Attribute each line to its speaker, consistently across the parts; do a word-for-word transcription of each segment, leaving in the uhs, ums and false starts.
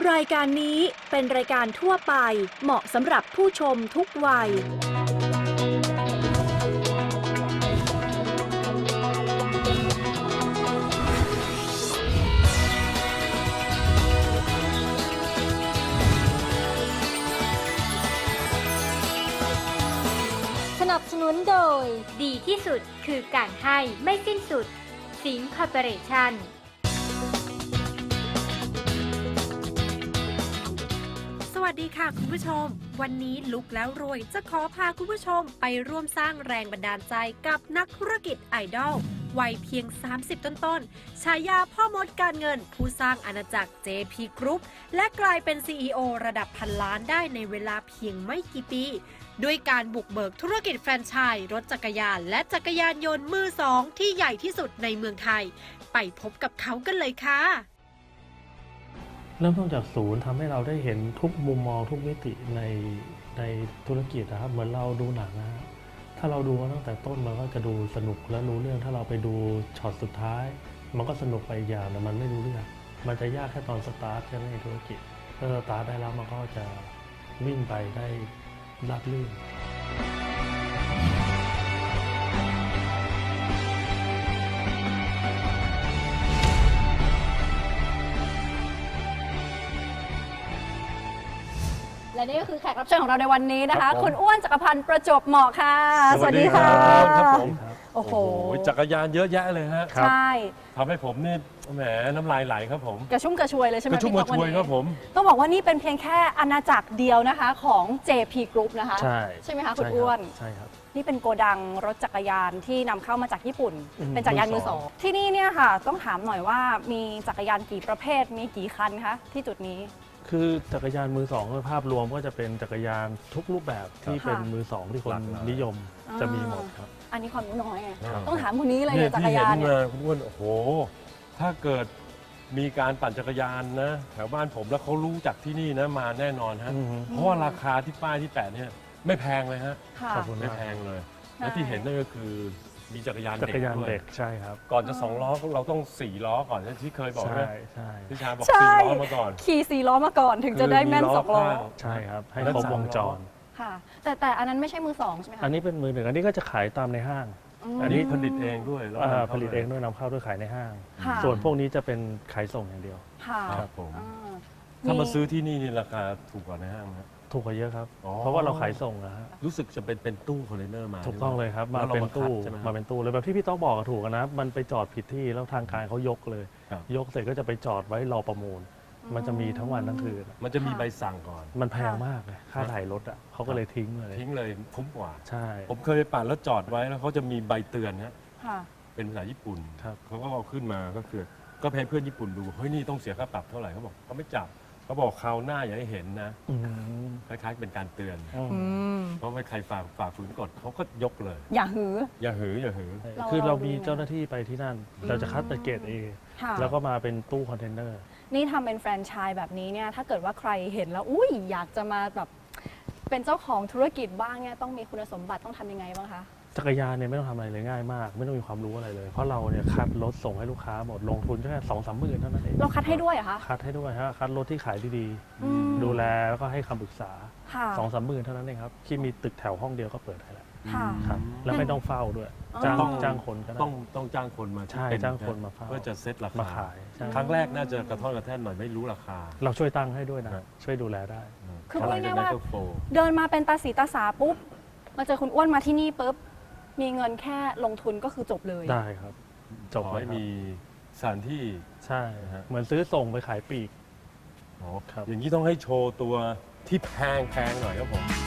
Speaker 1: รายการนี้เป็นรายการทั่วไปเหมาะสำหรับผู้ชมทุกวัย
Speaker 2: สนับสนุนโดยดีที่สุดคือการให้ไม่สิ้นสุดสิงห์คอร์ปอเรชั่น
Speaker 3: สวัสดีค่ะคุณผู้ชมวันนี้ลุกแล้วรวยจะขอพาคุณผู้ชมไปร่วมสร้างแรงบันดาลใจกับนักธุรกิจไอดอลวัยเพียงสามสิบต้นๆฉายาพ่อมดการเงินผู้สร้างอาณาจักร เจ พี Group และกลายเป็น ซี อี โอ ระดับพันล้านได้ในเวลาเพียงไม่กี่ปีด้วยการบุกเบิกธุรกิจแฟรนไชส์รถจักรยานและจักรยานยนต์มือสองที่ใหญ่ที่สุดในเมืองไทยไปพบกับเขากันเลยค่ะ
Speaker 4: เริ่มต้นจากศูนย์ทำให้เราได้เห็นทุกมุมมองทุกมิติในในธุรกิจนะครับเหมือนเราดูหนังนะถ้าเราดูมาตั้งแต่ต้นมันก็จะดูสนุกและรู้เรื่องถ้าเราไปดูช็อตสุดท้ายมันก็สนุกไปอีกอย่างแต่มันไม่รู้เรื่องมันจะยากแค่ตอนสตาร์ทแค่ในธุรกิจถ้าสตาร์ทได้แล้วมันก็จะวิ่งไปได้ราบรื่น
Speaker 5: และนี่ก็คือแขกรับเชิญของเราในวันนี้นะคะคุณอ้วนจักรพันธ์ประจวบเหมาะค่ะสวัสดีค่ะ
Speaker 6: ครับผม
Speaker 5: โอ้โห
Speaker 6: จักรยานเยอะแยะเลยฮะ
Speaker 5: ใช่
Speaker 6: ทำให้ผมนี่แหมน้ำลายไหลครับผม
Speaker 5: กระชุ่มกระชวยเลยใช่ไหม
Speaker 6: กระชุ่มกระชวยครับผม
Speaker 5: ต้องบอกว่านี่เป็นเพียงแค่อาณาจักรเดียวนะคะของ เจ พี Group นะคะ
Speaker 4: ใช่
Speaker 5: ใช่ไหมคะคุณอ้วน
Speaker 4: ใช่ครับ
Speaker 5: นี่เป็นโกดังรถจักรยานที่นำเข้ามาจากญี่ปุ่นเป็นจักรยานมือสองที่นี่เนี่ยค่ะต้องถามหน่อยว่ามีจักรยานกี่ประเภทมีกี่คันคะที่จุดนี้
Speaker 4: คือจักรยานมือสองโดยภาพรวมก็จะเป็นจักรยานทุกรูปแบบที่เป็นมือสองที่คนนิยมจะมีหมดครับ
Speaker 5: อันนี้ความรู้น้อยไงต้องถามคนนี้เลยจักรยาน
Speaker 6: เนี่ยคุณอ้วนโอ้โหถ้าเกิดมีการปั่นจักรยานนะแถวบ้านผมแล้วเขารู้จักที่นี่นะมาแน่นอนฮะเพราะว่าราคาที่ป้ายที่แปะเนี่ยไม่แพงเลยฮะ
Speaker 4: ขอบคุณ
Speaker 6: ไม่แพงเลยและที่เห็นนั่นก็คือมีจักรยานเด็ก
Speaker 4: ด้วยใช่ครับ
Speaker 6: ก่อนจะสองล้อเราต้องสี่ล้อก่อนที่เคยบอกใช่
Speaker 4: ใช่
Speaker 6: พี่ชาบอกสี่ล้อมาก่อน
Speaker 5: ขี่สี่ล้อมาก่อนถึงจะได้แม่นสองล้อ
Speaker 4: ใช่ครับให้ครบวงจร
Speaker 5: ค่ะแต่แต่อันนั้นไม่ใช่มือสองใช่ไหมคะ
Speaker 4: อันนี้เป็นมือหนึ่งอันนี้ก็จะขายตามในห้าง
Speaker 6: อันนี้ผลิตเองด้วย
Speaker 4: ผลิตเองด้วยนำเข้าด้วยขายในห้างส่วนพวกนี้จะเป็นขายส่งอย่างเดียว
Speaker 6: ครับผมถ้ามาซื้อที่นี่นี่ราคาถูกกว่าในห้างนะ
Speaker 4: ถูกกว่าเยอะครับเพราะว่าเราขายส่งนะฮะ
Speaker 6: รู้สึกจะเป็นเป็นตู้คอนเทนเนอร์มา
Speaker 4: ถูกต้องเลยครับมาเป็นตู้มาเป็นตู้เลยแบบที่พี่ต้องบอกถูกนะมันไปจอดผิดที่แล้วทางการเขายกเลยยกเสร็จก็จะไปจอดไว้รอประมูลมันจะมีทั้งวันทั้งคืน
Speaker 6: มันจะมีใบสั่งก่อน
Speaker 4: มันแพงมากเลยค่าถ่ายรถอ่ะเขาก็เลยทิ้งเลย
Speaker 6: ทิ้งเลยคุ้มกว่า
Speaker 4: ใช่
Speaker 6: ผมเคยไปปั่นแล้วจอดไว้แล้วเขาจะมีใบเตือนฮะเป็นภาษาญี่ปุ่นเขาก็เอาขึ้นมาก็คือก็ให้เพื่อนญี่ปุ่นดูเฮ้ยนี่ต้องเสียค่าปรับเท่าไหร่เขาบอกเขาไม่จับเขาบอกคราวหน้าอย่าให้เห็นนะคล้ายๆเป็นการเตือนเพราะไม่ใครฝ่าฝ่าฝืนกฎเขาก็ยกเลย
Speaker 5: อย่าหือ
Speaker 6: อย่าหืออย่าหือ
Speaker 4: คือเรามีเจ้าหน้าที่ไปที่นั่นเราจะคัดเป็นเกรด เอ แล้วก็มาเป็นตู้คอนเทนเนอร์
Speaker 5: นี่ทำเป็นแฟรนไชส์แบบนี้เนี่ยถ้าเกิดว่าใครเห็นแล้วอุ้ยอยากจะมาแบบเป็นเจ้าของธุรกิจบ้างเนี่ยต้องมีคุณสมบัติต้องทำยังไงบ้างคะ
Speaker 4: จักรยานเนี่ยไม่ต้องทำอะไรเลยง่ายมากไม่ต้องมีความรู้อะไรเลยเพราะเราเนี่ยคัดรถส่งให้ลูกค้าหมดลงทุนแค่สองสามหมื่นเท่านั้นเอง
Speaker 5: เราคัดให้ด้วยเหรอคะ
Speaker 4: คัดให้ด้วยฮะคัดรถที่ขายดีๆดูแลแล้วก็ให้คำปรึกษาสองสามหมื่นเท่านั้นเองครับที่มีตึกแถวห้องเดียวก็เปิดได้แล้วครับแล้วไม่ต้องเฝ้าด้วยจ้างจ้างคนก็ได้
Speaker 6: ต้องต้องจ้างคนมา
Speaker 4: ใช่จ้างคนมาเฝ้า
Speaker 6: เพื่อจะเซ็ตราคา
Speaker 4: มาขาย
Speaker 6: ครั้งแรกน่าจะกระท่อนกระแท่นหน่อยไม่รู้ราคา
Speaker 4: เราช่วยตั้งให้ด้วยนะช่วยดูแลได้
Speaker 5: คือพูดง่ายๆว่าเดินมาเป็นตาสีตาสาปุ๊บมาเจอคุณอ้วนมาที่นี่ปุ๊บมีเงินแค่ลงทุนก็คือจบเลย
Speaker 4: ได้ครับ
Speaker 6: จบไม่มีสถานที่
Speaker 4: ใช่เหมือนซื้อส่งไปขายปลีก
Speaker 6: อ๋อครับอย่างนี้ต้องให้โชว์ตัวที่แพงแพงหน่อยครับผม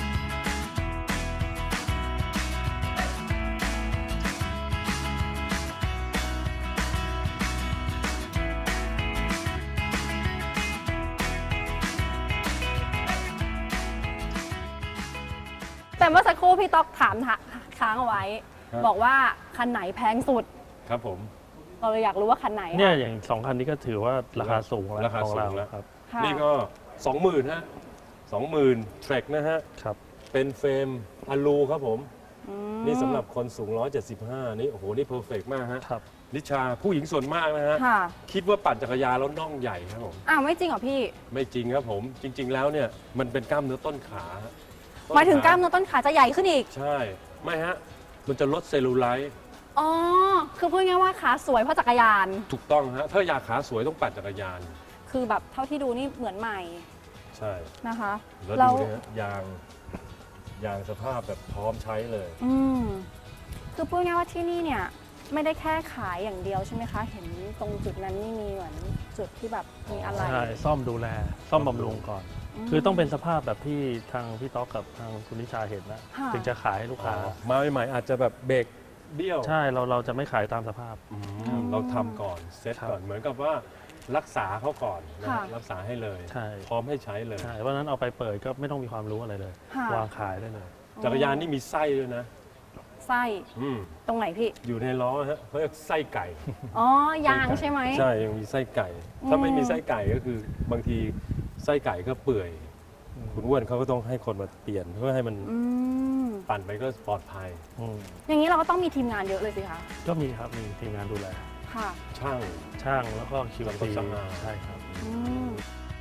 Speaker 5: แต่เมื่อสักครู่พี่ต๊อกถามค้างเอาไว้บอกว่าคันไหนแพงสุด
Speaker 6: ครับผม
Speaker 5: เราเลยอยากรู้ว่าคันไหน
Speaker 4: เนี่ยอย่างสองคันนี้ก็ถือว่าราคาสูงแล้วของเราแล้วครับ
Speaker 6: นี่ก็สองหมื่นฮะสองหมื่นเทรคนะฮะ
Speaker 4: ครับ
Speaker 6: เป็นเฟรมอะลูครับผมนี่สำหรับคนสูงหนึ่งร้อยเจ็ดสิบห้านี่โอ้โหนี่เพอร์เฟกต์มากฮะนิชาผู้หญิงส่วนมากนะฮะ
Speaker 5: ค่ะ
Speaker 6: คิดว่าปั่นจักรยานแล้วน่องใหญ่ครับผม
Speaker 5: อ้าวไม่จริงเหรอพี่
Speaker 6: ไม่จริงครับผม จริง ๆ แล้วเนี่ยมันเป็นกล้ามเนื้อต้นขา
Speaker 5: หมายถึงกล้ามเนื้อต้นขาจะใหญ่ขึ้นอีก
Speaker 6: ใช่ไม่ฮะมันจะลดเซลลูไลท์
Speaker 5: อ๋อ คือพูดง่ายๆว่าขาสวยเพราะจักรยาน
Speaker 6: ถูกต้องฮะถ้าอยากขาสวยต้องปั่นจักรยาน
Speaker 5: คือแบบเท่าที่ดูนี่เหมือนใหม่
Speaker 6: ใช่
Speaker 5: นะคะ
Speaker 6: แล้วดูเนี่ยยางยางสภาพแบบพร้อมใช้เลย
Speaker 5: อืมคือพูดง่ายๆว่าที่นี่เนี่ยไม่ได้แค่ขายอย่างเดียวใช่ไหมคะ เห็นตรงจุดนั้นนี่มีเหมือนจุดที่แบบมีอะไร
Speaker 4: ใช่ซ่อมดูแล ซ่อมบำรุงก่อน คือต้องเป็นสภาพแบบที่ทางพี่ต๊อกกับทางคุณนิชาเห็นนะ
Speaker 5: ค่ะ
Speaker 4: ถึงจะขายให้ลูกค้า
Speaker 6: มาใหม่ๆอาจจะแบบเบรกเบี้ยว
Speaker 4: ใช่เราเราจะไม่ขายตามสภาพ
Speaker 6: อืมเราทำก่อนเซ็ต
Speaker 4: ครับ
Speaker 6: ก่อนเหมือนกับว่ารักษาเขาก่อนนะ
Speaker 5: ค่ะ
Speaker 6: รักษาให้เลย
Speaker 4: ใช่
Speaker 6: พร้อมให้ใช้เลย
Speaker 4: ใช่เพราะฉะนั้นเอาไปเปิดก็ไม่ต้องมีความรู้อะไรเลย
Speaker 5: ค่ะ
Speaker 4: วางขายได้เลย
Speaker 6: จักรยานนี่มีไส้ด้วยนะ
Speaker 5: ไส้
Speaker 6: อืม
Speaker 5: ตรงไหนพี่
Speaker 6: อยู่ในล้อฮะเขาเรียกไส้ไก่
Speaker 5: อ๋อยางใช่ไหม
Speaker 6: ใช่ยังมีไส้ไก่
Speaker 5: อืม
Speaker 6: ถ้าไม่มีไส้ไก่ก็คือบางทีไส้ไก่ก็เปื่อย คุณอ้วนเขาก็ต้องให้คนมาเปลี่ยนเพื่อให้มัน
Speaker 5: อืม
Speaker 6: ปั่นไปก็ปลอดภัย
Speaker 4: อืม
Speaker 5: อย่างนี้เราก็ต้องมีทีมงานเยอะเลยสิคะ
Speaker 4: ก็มีครับมีทีมงานดูแล
Speaker 5: ค่ะ
Speaker 6: ช่าง
Speaker 4: ช่างแล้วก็คิว
Speaker 6: แล้วก็
Speaker 4: ซี
Speaker 6: สำอาง
Speaker 4: ใช่ครับ
Speaker 5: อืม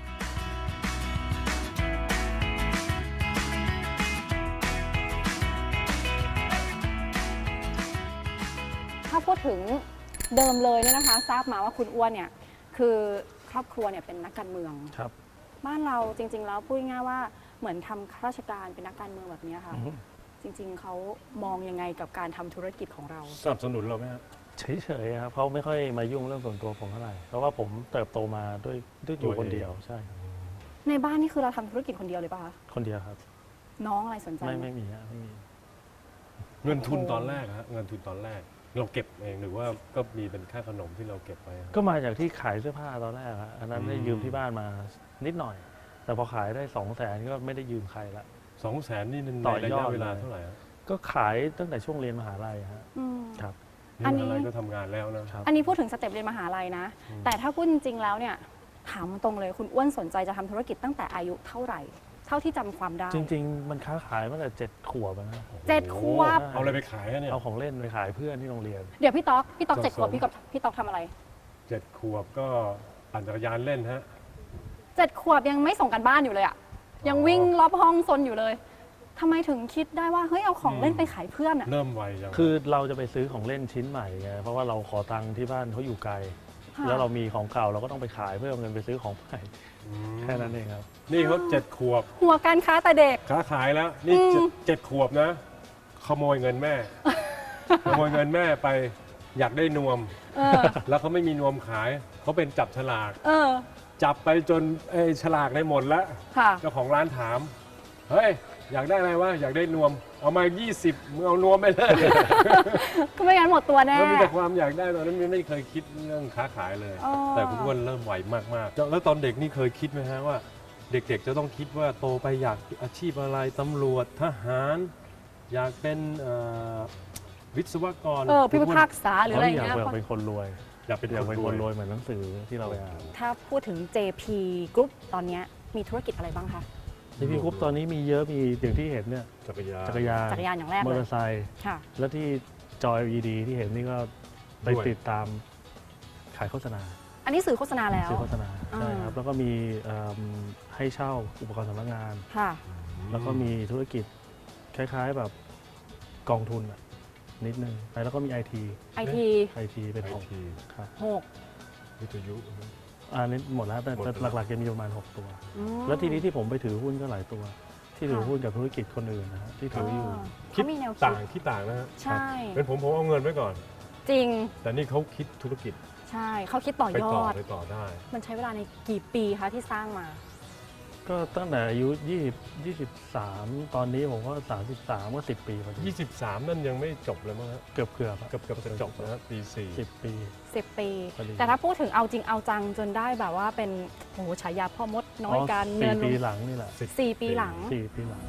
Speaker 5: ถ้าพูดถึงเดิมเลยเนี่ยนะคะ ทราบมาว่าคุณอ้วนเนี่ยคือครอบครัวเนี่ยเป็นนักการเมือง
Speaker 4: ครับ
Speaker 5: บ้านเราจริง ๆ แล้วพูดง่ายๆว่าเหมือนทำข้าราชการเป็นนักการเมืองแบบนี้ค่ะ
Speaker 4: อือฮึ
Speaker 5: จริง ๆเขามองยังไงกับการทำธุรกิจของเรา
Speaker 6: สนับสนุนเราไหมครับ
Speaker 4: เฉยๆครับเขาไม่ค่อยมายุ่งเรื่องส่วนตัวผมเท่าไหร่เพราะว่าผมเติบโตมาด้วยด้วยอยู่
Speaker 6: ตัวเอง
Speaker 4: คนเดียวใช่ครับ
Speaker 5: ในบ้านนี่คือเราทำธุรกิจคนเดียวเลยป่ะคะ
Speaker 4: คนเดียวครับ
Speaker 5: น้องอะไรสนใจ
Speaker 4: ไม่
Speaker 5: ไหม
Speaker 4: ไม่มีฮะไม่มี
Speaker 6: เงินทุนตอนแรกฮะเงินทุนตอนแรก เราเก็บเองหรือว่าก็มีเป็นค่าขนมที่เราเก็บไว้ครับ
Speaker 4: ก็มาจากที่ขายเสื้อผ้าตอนแรกครับอันนั้นได้
Speaker 6: อืม
Speaker 4: ยืมที่บ้านมานิดหน่อย แต่พอขายได้สองแสนก็ไม่ได้ยืมใครละ
Speaker 6: สองแสนนี่ใน
Speaker 4: ต่อย
Speaker 6: ระ
Speaker 4: อด
Speaker 6: ยะเวลา
Speaker 4: เลย
Speaker 6: เท่าไหร่ฮะ
Speaker 4: ก็ขายตั้งแต่ช่วงเรียนมหาลัยฮะ
Speaker 5: อืม
Speaker 4: ครับ
Speaker 5: อัน
Speaker 6: นี่
Speaker 5: นี้
Speaker 6: อะไรก็ทำงานแล้วนะ
Speaker 4: ครับ
Speaker 5: อันนี้พูดถึงสเต็ปเรียนมหาลัยนะ
Speaker 6: อืม
Speaker 5: แต่ถ้าพูดจริง ๆ แล้วเนี่ย ถามตรงเลยคุณอ้วนสนใจจะทำธุรกิจตั้งแต่อายุเท่าไหร่ เท่าที่จำความได้
Speaker 4: จริง ๆ มันค้าขายมาตั้งแต่เจ็ดขวบอะนะ
Speaker 5: เจ็ดขวบ
Speaker 6: เอาอะไรไปขายฮะเนี่ย
Speaker 4: เอาของเล่นไปขายเพื่อนที่โรงเรียน
Speaker 5: เดี๋ยวพี่ต๊อก พี่ต๊อก
Speaker 6: สะสม
Speaker 5: เจ็ดขวบพี่กับพี่ต๊อกทำอะไร
Speaker 6: เจ็ดขวบก็ปั่นจักรยานเล่นฮะ
Speaker 5: เจ็ดขวบยังไม่ส่งกันบ้านอยู่เลยอะยังวิ่งรอบห้องซนอยู่เลยทำไมถึงคิดได้ว่าเฮ้ยเอาของเล่นไปขายเพื่อนอะ
Speaker 6: เริ่มไวจัง
Speaker 4: คือเราจะไปซื้อของเล่นชิ้นใหม่ไงเพราะว่าเราขอตังค์ที่บ้านเขาอยู่ไกล
Speaker 5: ค่ะ
Speaker 4: แล้วเรามีของเก่าเราก็ต้องไปขายเพื่อเอาเงินไปซื้อของใหม่
Speaker 6: ม
Speaker 4: แค่นั้นเองครับ
Speaker 6: นี่เขาเจ็ดขวบ
Speaker 5: หัวการค้าแต่เด็ก
Speaker 6: ค้าขายแล้ว นี่
Speaker 5: อืม
Speaker 6: เจ็ดเจ็ดขวบนะ ขโมยเงินแม่ ขโมยเงินแม่ไปอยากได้นวม
Speaker 5: เออ
Speaker 6: แล้วเขาไม่มีนวมขาย เขาเป็นจับฉลาก
Speaker 5: เออ
Speaker 6: จับไปจนเอ้ยฉลากได้หมดแล้ว
Speaker 5: ค่ะ
Speaker 6: เจ้าของร้านถาม เฮ้ย อยากได้อะไรวะ อยากได้นวม เอามา ยี่สิบมึงเอานวมไปเลย
Speaker 5: ก็ไม่งั้นหมดตัวแน่
Speaker 6: แล้วมีแต่ความอยากได้ตอนนั้นไม่เคยคิดเรื่องค้าขายเลย
Speaker 5: อ๋อ
Speaker 6: แต่คุณอ้วนเริ่มไหวมากๆ แล้วตอนเด็กนี่เคยคิดไหมฮะว่า เด็กๆจะต้องคิดว่าโตไปอยากอาชีพอะไรตำรวจทหาร อยากเป็นเอ่อวิศวกร
Speaker 5: เออพี่
Speaker 6: คุณ
Speaker 5: พิ
Speaker 6: อ้วน
Speaker 5: พากษาหรืออะไร
Speaker 4: เขา
Speaker 5: อ
Speaker 4: อยา
Speaker 5: ย่าก งเงี้ย
Speaker 4: เป็นคนรวย
Speaker 6: อยากเป็น
Speaker 4: อยาก
Speaker 6: ค
Speaker 4: เป็น
Speaker 6: น
Speaker 4: คน
Speaker 6: ร
Speaker 4: ร
Speaker 6: ว
Speaker 4: วย ยเหมือนหนังสือที่เราไปอ่าน
Speaker 5: ถ้าพูดถึง เจ พี Group ตอนเนี้ยมีธุรกิจอะไรบ้างคะ
Speaker 4: ที่พี่คุปตอนนี้มีเยอะมีอย่างที่เห็นเนี่ย
Speaker 6: จักรยาน
Speaker 4: จักรยาน
Speaker 5: จักรยานอย่างแรก
Speaker 4: มอ
Speaker 5: เล
Speaker 4: เตอย ร์ไซค์
Speaker 5: ค่ะ
Speaker 4: แล้วที่จอ แอล อี ดี ที่เห็นนี่ก็ไป
Speaker 6: ด้วย
Speaker 4: ติดตามขายโฆษณา
Speaker 5: อันนี้สื่อโฆษณาแล้ว
Speaker 4: ซื้อโฆษณา
Speaker 5: อ่า
Speaker 4: ใช่ครับแล้วก็มีเอิ่มให้เช่าอุปกรณ์สำนักงาน
Speaker 5: ค่ะ
Speaker 4: แล้วก็มีธุรกิจคล้ายๆแบบกองทุนอะนิดนึงแล้วก็มี ไอ ที
Speaker 5: ไอที
Speaker 4: ไอทีเป็น
Speaker 6: ไอ
Speaker 4: ของ
Speaker 6: ที
Speaker 4: ครับ
Speaker 5: หก
Speaker 6: วิทยุ
Speaker 4: อันนี้หมดแล้วแต่
Speaker 6: หมด
Speaker 4: แต่
Speaker 6: แล้ว
Speaker 4: หลักๆจะมีประมาณหกตัว
Speaker 5: อืม
Speaker 4: แล้วทีนี้ที่ผมไปถือหุ้นก็หลายตัว ที่ถือ
Speaker 5: ค่ะ
Speaker 4: หุ้นกับธุรกิจคนอื่นนะฮะที่ถืออยู่
Speaker 6: คิด
Speaker 5: เขามีแนวคิ
Speaker 6: ต่า
Speaker 5: ด
Speaker 6: งที่ต่างนะฮะ
Speaker 5: ใช่
Speaker 6: เป็นผมผมเอาเงินไว้ก่อน
Speaker 5: จริง
Speaker 6: แต่นี่เขาคิดธุรกิจ
Speaker 5: ใช่เขาคิดต่อ
Speaker 6: ไป
Speaker 5: ย
Speaker 6: ต่อ
Speaker 5: อด
Speaker 6: ไปต่อได้
Speaker 5: มันใช้เวลาในกี่ปีคะที่สร้างมา
Speaker 4: ก็ตั้งแต่อายุยี่สิบ ยี่สิบสามตอนนี้ผมก็สามสิบสามก็สิบปีพอดี
Speaker 6: ยี่สิบสามนั่นยังไม่จบเลยมั้งฮะ
Speaker 4: เกือบเกือบ
Speaker 6: เกือบเกือบจะจบนะฮะปีสี่
Speaker 4: สิบปี
Speaker 5: สิบ ปี
Speaker 4: พอดี
Speaker 5: แต่ถ้าพูดถึงเอาจริงเอาจังจนได้แบบว่าเป็นโอ้โหฉายาพ่อมดน้อยการเงิ
Speaker 4: สี่
Speaker 5: น
Speaker 4: ปีหลังนี่แหละ
Speaker 5: สี่ปีหลัง
Speaker 4: สี่ปีหลัง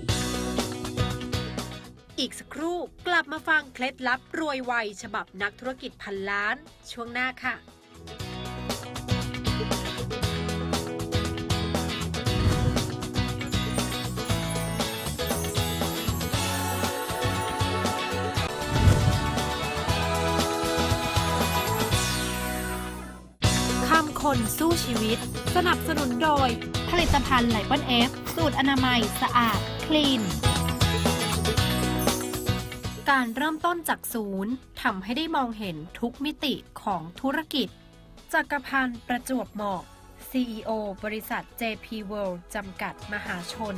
Speaker 3: อีกสักครู่กลับมาฟังเคล็ดลับรวยไวฉบับนักธุรกิจพันล้าน ช่วงหน้าค่ะคนสู้ชีวิต สนับสนุนโดย ผลิตภัณฑ์ไลปอนเอฟสูตรอนามัยสะอาดคลีน การเริ่มต้นจากศูนย์ทำให้ได้มองเห็นทุกมิติของธุรกิจ จักรพันธ์ประจวบเหมาะ ซี อี โอ บริษัท เจ พี World จำกัดมหาชน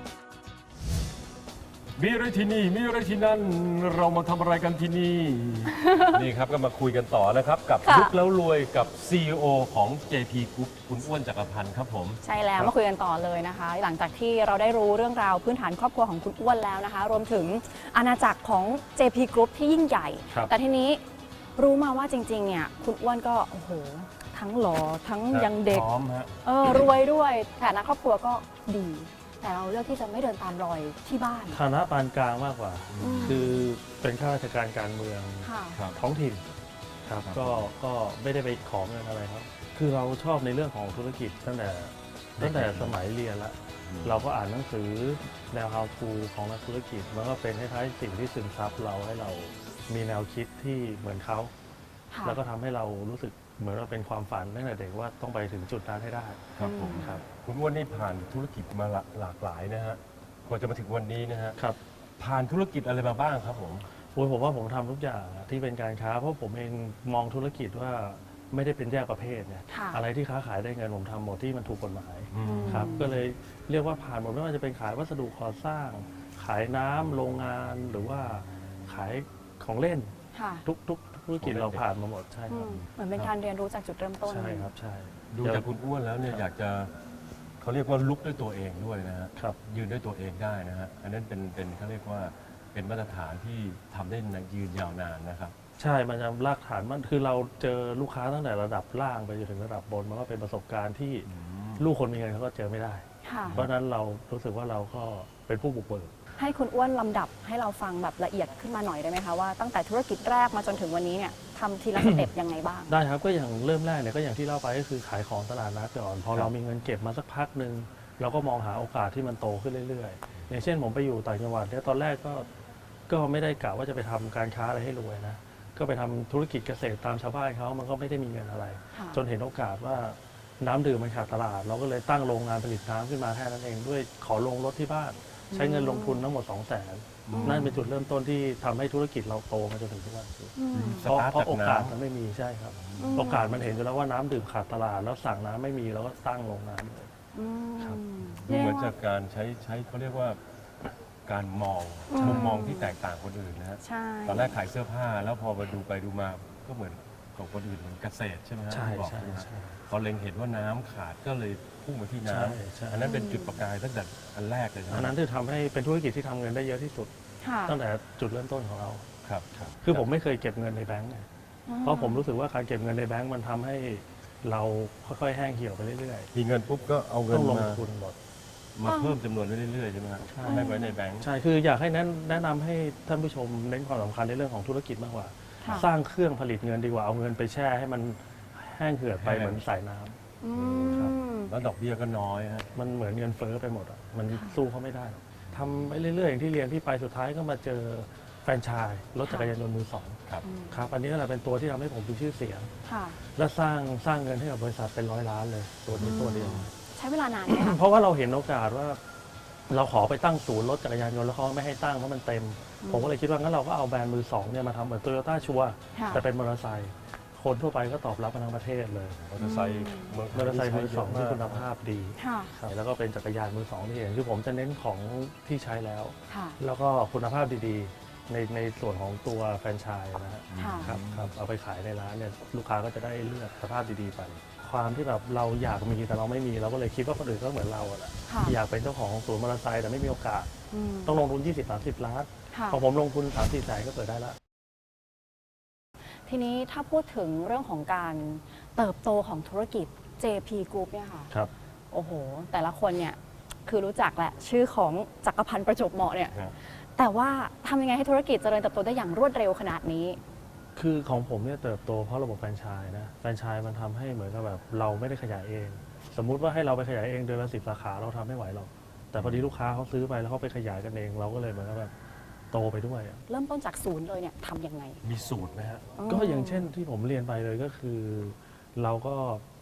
Speaker 6: มีอะไรที่นี่มีอะไรที่นั่นเรามาทำอะไรกันที่นี่ นี่ครับก็มาคุยกันต่อนะครับ กับ
Speaker 5: ค่ะ
Speaker 6: ลุกแล้วรวยกับ ซี อี โอ ของ เจ พี Group คุณอ้วนจักรพันธ์ครับผม
Speaker 5: ใช่แล้วมาคุยกันต่อเลยนะคะ หลังจากที่เราได้รู้เรื่องราวพื้นฐานครอบครัวของคุณอ้วนแล้วนะคะ รวมถึงอาณาจักรของ เจ พี Group ที่ยิ่งใหญ่
Speaker 6: ครับ
Speaker 5: แต่ทีนี้รู้มาว่าจริงๆเนี่ยคุณอ้วนก็โอ้โหทั้งหล่อทั้งยังเด็ก
Speaker 6: พร้อมฮะ
Speaker 5: เออรวยด้วยฐานะครอบครัวก็ดี แต่เราเลือกที่จะไม่เดินตามรอยที่บ้าน
Speaker 4: ฐานะปานกลางมากกว่า
Speaker 5: อืม
Speaker 4: คือเป็นข้าราชการการเมือง
Speaker 5: ค่ะ
Speaker 6: ครับ
Speaker 4: ท้องถิ่นครับ
Speaker 6: ครับ
Speaker 4: ก็ก็ไม่ได้ไปขอเงินอะไรครับ คือเราชอบในเรื่องของธุรกิจตั้งแต่ตั้งแต่สมัยเรียนละ เราก็อ่านหนังสือแนว how to ของนักธุรกิจมันก็เป็นคล้ายๆสิ่งที่ซึมซับเราให้เรามีแนวคิดที่เหมือนเขา
Speaker 5: ค่ะ
Speaker 4: แล้วก็ทำให้เรารู้สึกเหมือนว่าเป็นความฝันตั้งแต่เด็กว่าต้องไปถึงจุดนั้นให้ได้
Speaker 6: ครับผม
Speaker 4: ครับ
Speaker 6: คุณอ้วนนี่ผ่านธุรกิจมาหลาหลากหลายนะฮะกว่าจะมาถึงวันนี้นะฮะ
Speaker 4: ครับ
Speaker 6: ผ่านธุรกิจอะไรมาบ้างครับผม
Speaker 4: โอ้ยผมว่าผมทำทุกอย่างอะที่เป็นการค้าเพราะผมเองมองธุรกิจว่าไม่ได้เป็นแยกประเภทเนี่ย
Speaker 5: ค่ะ
Speaker 4: อะไรที่ค้าขายได้เงินผมทำหมดที่มันถูกกฎหมาย
Speaker 6: อืม
Speaker 4: ครับก็เลยเรียกว่าผ่านหมดไม่ว่าจะเป็นขายวัสดุก่อสร้าง ขายน้ำโรงงานหรือว่าขายของเล่น
Speaker 5: ค่ะ
Speaker 4: ทุกทุกธุรกิจเราผ่านมาหมดใช่ค
Speaker 5: อื
Speaker 4: รับ
Speaker 5: มเหมือนเป็นการเรียนรู้จากจุดเริ่มต้น
Speaker 4: ใช่ครับใช่
Speaker 6: ดูจากคุณอ้วนแล้วเนี่ยอยากจะเขาเรียกว่าลุกด้วยตัวเองด้วยนะฮะ
Speaker 4: ครับ
Speaker 6: ยืนด้วยตัวเองได้นะฮะอันนั้นเป็นเป็นเขาเรียกว่าเป็นมาตรฐานที่ทำได้ยืนยาวนานนะครับ
Speaker 4: ใช่มันจะรากฐานมันคือเราเจอลูกค้าตั้งแต่ระดับล่างไปจนถึงระดับบนมันก็เป็นประสบการณ์ที่ลูกคนมีเงินเขาก็เจอไม่ได้
Speaker 5: ค่ะ
Speaker 4: เพราะฉะนั้นเรารู้สึกว่าเราก็เป็นผู้บุกเบิก
Speaker 5: ให้คุณอ้วนลำดับให้เราฟังแบบละเอียดขึ้นมาหน่อยได้ไหมคะว่าตั้งแต่ธุรกิจแรกมาจนถึงวันนี้เนี่ยทำทีละสเต็ปยังไงบ้าง
Speaker 4: ได้ครับก็อย่างเริ่มแรกเนี่ยก็อย่างที่เล่าไปก็คือขายของตลาดนัดก่อนพอเรามีเงินเก็บมาสักพักหนึ่งเราก็มองหาโอกาสที่มันโตขึ้นเรื่อยๆ อย่างเช่นผมไปอยู่ต่างจังหวัดเนี่ยตอนแรกก็ก็ไม่ได้กะว่าจะไปทำการค้าอะไรให้รวยนะก็ไปทำธุรกิจเกษตรตามชาวบ้านเขามันก็ไม่ได้มีเงินอะไร
Speaker 5: ค่ะ
Speaker 4: จนเห็นโอกาสว่าน้ำดื่มมันขาดตลาด เราก็เลยตั้งโรงงานผลิตน้ำขึ้นมาแค่นั้นเองด้วยขอลงรถที่บ้าน ใช้เงินลงทุนทั้งหมดสองแสนนั่นเป็นจุดเริ่มต้นที่ทำให้ธุรกิจเราโตมาจนถึงทุกวันนี้
Speaker 5: อืม
Speaker 4: เพราะ
Speaker 6: สตาร์ท
Speaker 4: เพราะ
Speaker 6: จาก
Speaker 4: โอกาส
Speaker 6: น้ำ
Speaker 4: มันไม่มีใช่ครับ
Speaker 5: อืม
Speaker 4: โอกาสมันเห็นอยู่แล้วว่าน้ำดื่มขาดตลาด แล้วสั่งน้ำไม่มีเราก็ตั้งโรงน้ำเลย
Speaker 5: อืม
Speaker 4: ครับ
Speaker 6: ดูเหมือนจากการใช้ใช้เขาเรียกว่าการมอง
Speaker 5: อืม
Speaker 6: มุมมองที่แตกต่างคนอื่นนะฮะ
Speaker 5: ใช่
Speaker 6: ตอนแรกขายเสื้อผ้าแล้วพอมาดูไปดูมาก็เหมือนของคนอื่นเหมือนเกษตรใช่ไหมฮะ
Speaker 4: ใช่
Speaker 6: ที่บอก
Speaker 4: ใช่
Speaker 6: ใช่ไหมฮะ
Speaker 4: ใช่
Speaker 6: พอเล็งเห็นว่าน้ำขาดก็เลยพุ่งมาที่น้
Speaker 4: ใช่ใช่
Speaker 6: ำอันนั้นเป็นจุดประกายตั้งแต่อันแรกเลยใช่ไหม
Speaker 4: อันนั้นคือทำให้เป็นธุรกิจที่ทำเงินได้เยอะที่สุด
Speaker 5: ค่ะ
Speaker 4: ตั้งแต่จุดเริ่มต้นของเรา
Speaker 6: ครับครับ
Speaker 4: คือผมไม่เคยเก็บเงินในแบงก์ไง
Speaker 5: อื
Speaker 4: เพราะผมรู้สึกว่าการเก็บเงินในแบงก์มันทำให้เราค่อยๆแห้งเหี่ยวไปเรื่อย
Speaker 6: มีเงินปุ๊บก็เอา
Speaker 4: ๆ
Speaker 6: เงิน
Speaker 4: ต้องลง
Speaker 6: มา
Speaker 4: ทุนหมด
Speaker 6: มาเพิ่มจำนวนไปเรื่อยๆใช่ไหมฮะ
Speaker 4: ใช่
Speaker 6: ให้ไว้ในแบงค์
Speaker 4: ใช่ คืออยากให้แนะแนะนำให้ท่านผู้ชมเน้นความสำคัญในเรื่องของธุรกิจมากกว่า
Speaker 5: ค่ะ
Speaker 4: สร้างเครื่องผลิตเงินดีกว่าเอาเงินไปแช่ให้มันแห้งเหือดไปเหมือนสายน้ำ
Speaker 5: อืม
Speaker 6: แล้วดอกเบี้ยก็น้อยฮะ
Speaker 4: มันเหมือนเงินเฟ้อไปหมดอ่ะ มันสู้เขาไม่ได้หรอกทำไปเรื่อยๆอย่างที่เรียนพี่ไปสุดท้ายก็มาเจอแฟรนไชส์รถจักรยานยนต์มือสอง
Speaker 6: ครับ
Speaker 4: ครับ อันนี้แหละเป็นตัวที่ทำให้ผมมีชื่อเสียง
Speaker 5: ค่ะ
Speaker 4: และสร้างสร้างเงินให้กับบริษัทเป็นร้อยล้านเลย ตัวนี้ตัวเดียว
Speaker 5: ใช้เวลานานไหมคะ
Speaker 4: เพราะว่าเราเห็นโอกาสว่า เราขอไปตั้งศูนย์รถจักรยานยนต์แล้วเขาไม่ให้ตั้งเพราะมันเต็ม ผมก็เลยคิดว่างั้นเราก็เอาแบรนด์มือสองเนี่ยมาทำเหมือนโตโยต้าชัว
Speaker 5: ค่ะ
Speaker 4: แต่เป็นมอเตอร์ไซค์คนทั่วไปก็ตอบรับมาทั้งประเทศเลย
Speaker 6: มอเตอร์ไซค์เมืองไท
Speaker 4: มอเตอร์ไซค์มือสองที่
Speaker 6: ใช้เยะ
Speaker 4: คุณภาพดี
Speaker 5: ค่ะ
Speaker 4: ครับแล้วก็เป็นจักรยานมือสองที่เห็นคือผมจะเน้นของที่ใช้แล้ว
Speaker 5: ค่ะ
Speaker 4: แล้วก็คุณภาพดีๆ ในในส่วนของตัวแฟรนไชส์นะฮะ
Speaker 5: ค่ะ
Speaker 4: ครับครับเอาไปขายในร้านเนี่ยลูกค้าก็จะได้เลือกสภาพดีๆไป ความที่แบบเราอยากมีแต่เราไม่มีเราก็เลยคิดว่าคนอื่นก็เหมือนเราอะแหละ
Speaker 5: ค่ะ
Speaker 4: อยากเป็นเจ้าของศูนย์มอเตอร์ไซค์แต่ไม่มีโอกาส
Speaker 5: ม
Speaker 4: ต้องลงทุน ยี่สิบถึงสามสิบ ล้าน
Speaker 5: ค่ะ
Speaker 4: พอผมลงทุน สามสี่ แสนก็เปิดได้แล้ว
Speaker 5: ทีนี้ถ้าพูดถึงเรื่องของการเติบโตของธุรกิจ เจ พี Group เนี่ยค่ะ
Speaker 4: ครับ
Speaker 5: โอ้โห แต่ละคนเนี่ยคือรู้จักแหละชื่อของจักรพันธ์ประจวบเหมาะเนี่ย
Speaker 6: ครับ
Speaker 5: แต่ว่าทำยังไงให้ธุรกิจเจริญเติบโตได้อย่างรวดเร็วขนาดนี้
Speaker 4: คือของผมเนี่ยเติบโตเพราะระบบแฟรนไชส์นะแฟรนไชส์มันทำให้เหมือนกับแบบเราไม่ได้ขยายเอง สมมุติว่าให้เราไปขยายเองเดือนละสิบสาขาเราทำไม่ไหวหรอกแต่พอดีลูกค้าเขาซื้อไปแล้วเขาไปขยายกันเอง เราก็เลยเหมือนกับแบบโตไปด้วยอะ
Speaker 5: เริ่มต้นจากศูนย์เลยเนี่ยทำยังไง
Speaker 6: มีสูตรไหมฮะ
Speaker 4: ก็อย่างเช่นที่ผมเรียนไปเลยก็คือ เราก็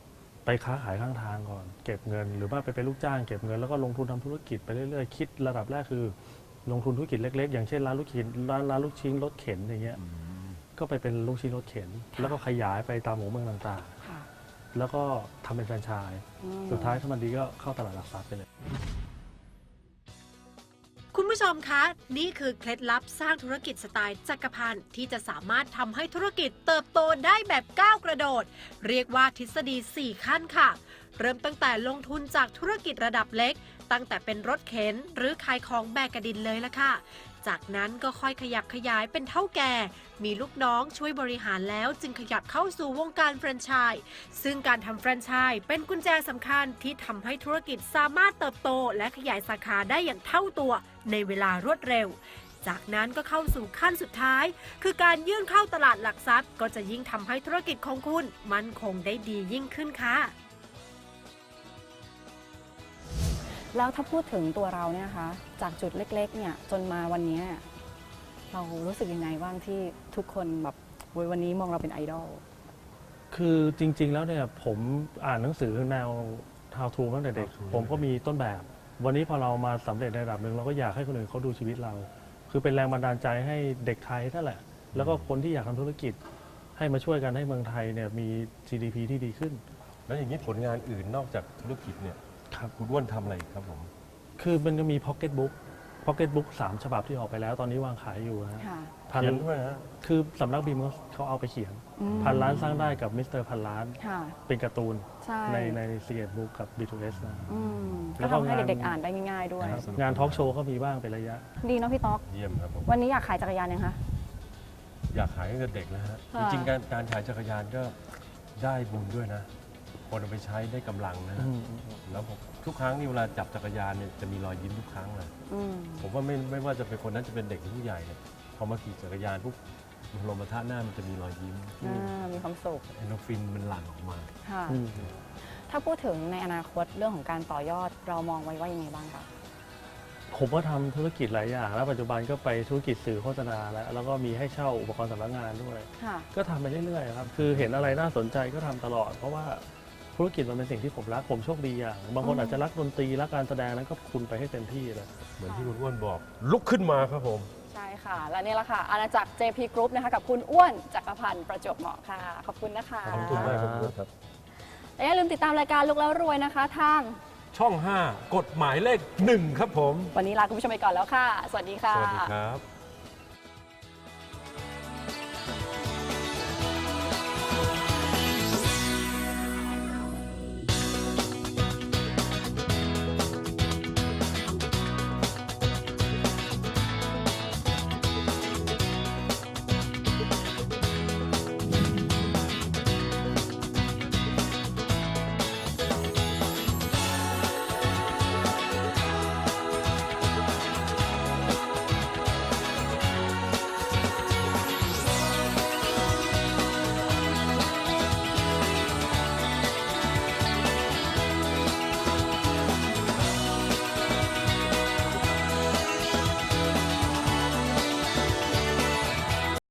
Speaker 4: ไปค้าขายข้างทางก่อนเก็บเงินหรือว่าไปเป็นลูกจ้างเก็บเงินแล้วก็ลงทุนทำธุรกิจไปเรื่อยๆคิดระดับแรกคือลงทุนธุรกิจเล็กๆอย่างเช่นร้านลูกชิ้นร้านร้านลูกชิ้นรถเข็นอย่างเงี้ยก็ไปเป็นลูกชิ้นรถเข็นแล้วก็ขยายไปตามหมู่เมืองต่างๆแล้วก็ทำเป็นแฟรนไชส์สุดท้ายถ้ามันดีก็เข้าตลาดหลักทรัพย์ไปเลย
Speaker 3: คุณผู้ชมคะนี่คือเคล็ดลับสร้างธุรกิจสไตล์จักรพันธ์ที่จะสามารถทำให้ธุรกิจเติบโตได้แบบก้าวกระโดดเรียกว่าทฤษฎีสี่ขั้นค่ะเริ่มตั้งแต่ลงทุนจากธุรกิจระดับเล็กตั้งแต่เป็นรถเข็นหรือขายของแบกกระดินเลยละค่ะจากนั้นก็ค่อยขยับขยายเป็นเท่าแก่มีลูกน้องช่วยบริหารแล้วจึงขยับเข้าสู่วงการแฟรนไชส์ซึ่งการทำแฟรนไชส์เป็นกุญแจสำคัญที่ทำให้ธุรกิจสามารถเติบโตและขยายสาขาได้อย่างเท่าตัวในเวลารวดเร็วจากนั้นก็เข้าสู่ขั้นสุดท้ายคือการยื่นเข้าตลาดหลักทรัพย์ก็จะยิ่งทำให้ธุรกิจของคุณมั่นคงได้ดียิ่งขึ้นค่ะ
Speaker 5: แล้วถ้าพูดถึงตัวเราเนี่ยคะจากจุดเล็กๆเนี่ยจนมาวันนี้เรารู้สึกยังไงบ้างที่ทุกคนแบบวันนี้มองเราเป็นไอดอล
Speaker 4: คือจริงๆแล้วเนี่ยผมอ่านหนังสือแนว how to ตั้งแต่เด็กผมก็มีต้นแบบวันนี้พอเรามาสำเร็จในระดับหนึ่งเราก็อยากให้คนอื่นเขาดูชีวิตเราคือเป็นแรงบันดาลใจให้เด็กไทยนั่นแหละแล้วก็คนที่อยากทำธุรกิจให้มาช่วยกันให้เมืองไทยเนี่ยมี จี ดี พี ที่ดีขึ้น
Speaker 6: แล้วอย่างนี้ผลงานอื่นนอกจากธุรกิจเนี่ย
Speaker 4: ครับ
Speaker 6: คุณอ้วนทำอะไรครับผม
Speaker 4: คือมันก็มี Pocket Book Pocket Book สามฉบับที่ออกไปแล้วตอนนี้วางขายอยู่นะ
Speaker 6: พันด้วยฮะ
Speaker 4: คือสำนักพิมพ์เขาเอาไปเขียนพันล้านสร้างได้กับมิสเตอร์พันล้านเป็นการ์ตูนในในซีเอ็ดบุ๊กกับ บี ทู เอส นะ
Speaker 5: แล้วทำให้เด็กๆอ่านได้ง่ายๆด้วย
Speaker 4: งานทอล์กโชว์ก็มีบ้างเป็นระยะ
Speaker 5: ดีเนาะพี่ต๊อก
Speaker 6: เยี่ยมครับผม
Speaker 5: วันนี้อยากขายจักรยานยังคะ
Speaker 6: อยากขายตั้งแต่เด็กแล้วฮะจริงๆการการขายจักรยานก็ได้บุญด้วยนะคนเอาไปใช้ได้กำลังนะแล้วทุกครั้งนี่เวลาจับจักรยานเนี่ยจะมีรอยยิ้มทุกครั้งเลยผมว่าไม่ไม่ว่าจะเป็นคนนั้นจะเป็นเด็กหรือผู้ใหญ่เนี่ยพอมาขี่จักรยานปุ๊บลมมาท่าหน้ามันจะมีรอยยิ้ม
Speaker 5: มีความสุข
Speaker 6: เอนโดรฟินมันหลั่งออกมา
Speaker 5: ค่ะถ้าพูดถึงในอนาคตเรื่องของการต่อยอดเรามองไว้ว่ายังไงบ้างคะ
Speaker 4: ผมก็ทำธุรกิจหลายอย่างแล้วปัจจุบันก็ไปธุรกิจสื่อโฆษณาแล้วแล้วก็มีให้เช่าอุปกรณ์สำนักงานด้วยก็ทำไปเรื่อยๆครับคือเห็นอะไรน่าสนใจก็ทำตลอดเพราะว่าธุรกิจมันเป็นสิ่งที่ผมรักผมโชคดีอย่างบางคนอาจจะรักดนตรีรักการแสดงนั้นก็คุณไปให้เต็มที่เลย
Speaker 6: เหมือนที่คุณอ้วนบอกลุกขึ้นมาครับผม
Speaker 5: ใช่ค่ะและนี่แหละค่ะอาณาจักร เจ พี Group นะคะกับคุณอ้วนจักรพันธ์ประจวบเหมาะค่ะขอบคุณนะคะ
Speaker 6: ขอบคุณมากครับ
Speaker 5: และอย่าลืมติดตามรายการลุกแล้วรวยนะคะทาง
Speaker 6: ช่องห้ากฎหมายเลขหนึ่งครับผม
Speaker 5: วันนี้ลาคุณผู้ชมไปก่อนแล้วค่ะสวัสดีค่ะ
Speaker 6: สวัสดีครับ